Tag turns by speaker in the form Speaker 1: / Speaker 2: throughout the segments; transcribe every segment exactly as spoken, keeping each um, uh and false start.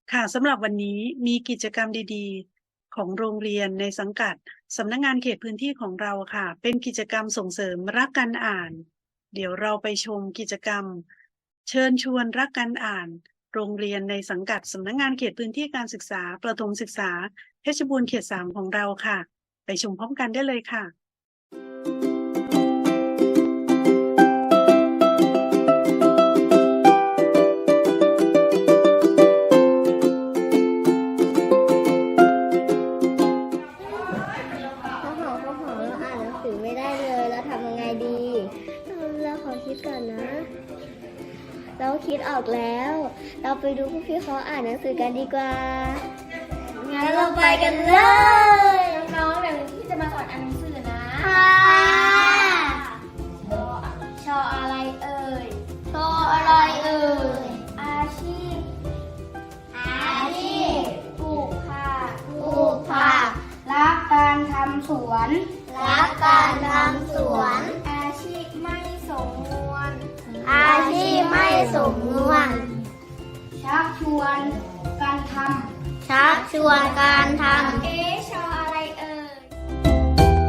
Speaker 1: ค่ะสำหรับวันนี้มีกิจกรรมดีๆของโรงเรียนในสังกัดสำนักงานเขตพื้นที่ของเราค่ะเป็นกิจกรรมส่งเสริมรักการอ่านเดี๋ยวเราไปชมกิจกรรมเชิญชวนรักการอ่านโรงเรียนในสังกัดสำนักงานเขตพื้นที่การศึกษาประถมศึกษาเพชรบูรณ์เขตสามของเราค่ะไปชมพร้อมกันได้เลยค่ะ
Speaker 2: ข้าวหอมข้าวหอมเราอ่านหนังสือไม่ได้เลยเราทำยังไงดีเราขอคิดก่อนนะ เราคิดออกแล้ว เราไปดูพวกพี่เขาอ่านหนังสือกันดีกว่างั้นเราไปกันเลยน้องๆเดี๋ยวพี่จะมาสอนอ่านหนังสือนะค่ะชออะไรเอ่ยชออะไรเอ่ยอาชีพอาชีพปลูกผักปลูกผักรักการทำสวนรักการทำสวนอาชีพไม่สมนวนอาชีพไม่สมนวนชักชวนการทำชักชวนการทำเอ๊ะชออะไรเอ่ย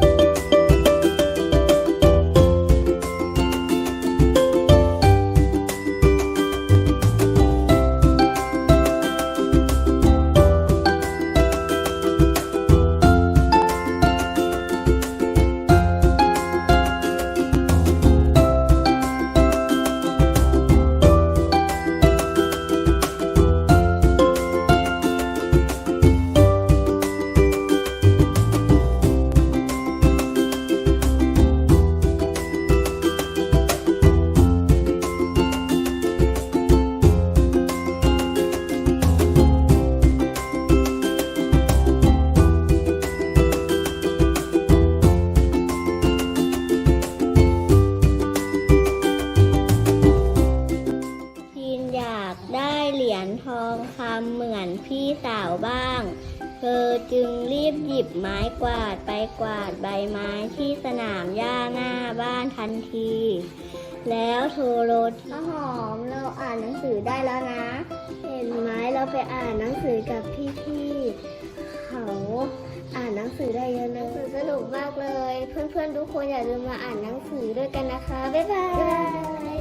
Speaker 2: ทีนอยากได้เหรียญทองคำเหมือนพี่สาวบ้าง เธอจึงรีบหยิบไม้กวาดไปกวาดใบไม้ที่สนามหญ้าหน้าบ้านทันที แล้วโทรรถข้าวหอมเราอ่านหนังสือได้แล้วนะ เห็นไหมเราไปอ่านหนังสือกับพี่ๆเขาอ่านหนังสือได้เยอะหนังสือสนุกมากเลย เพื่อนๆทุกคนอย่าลืมมาอ่านหนังสือด้วยกันนะคะบ๊ายบาย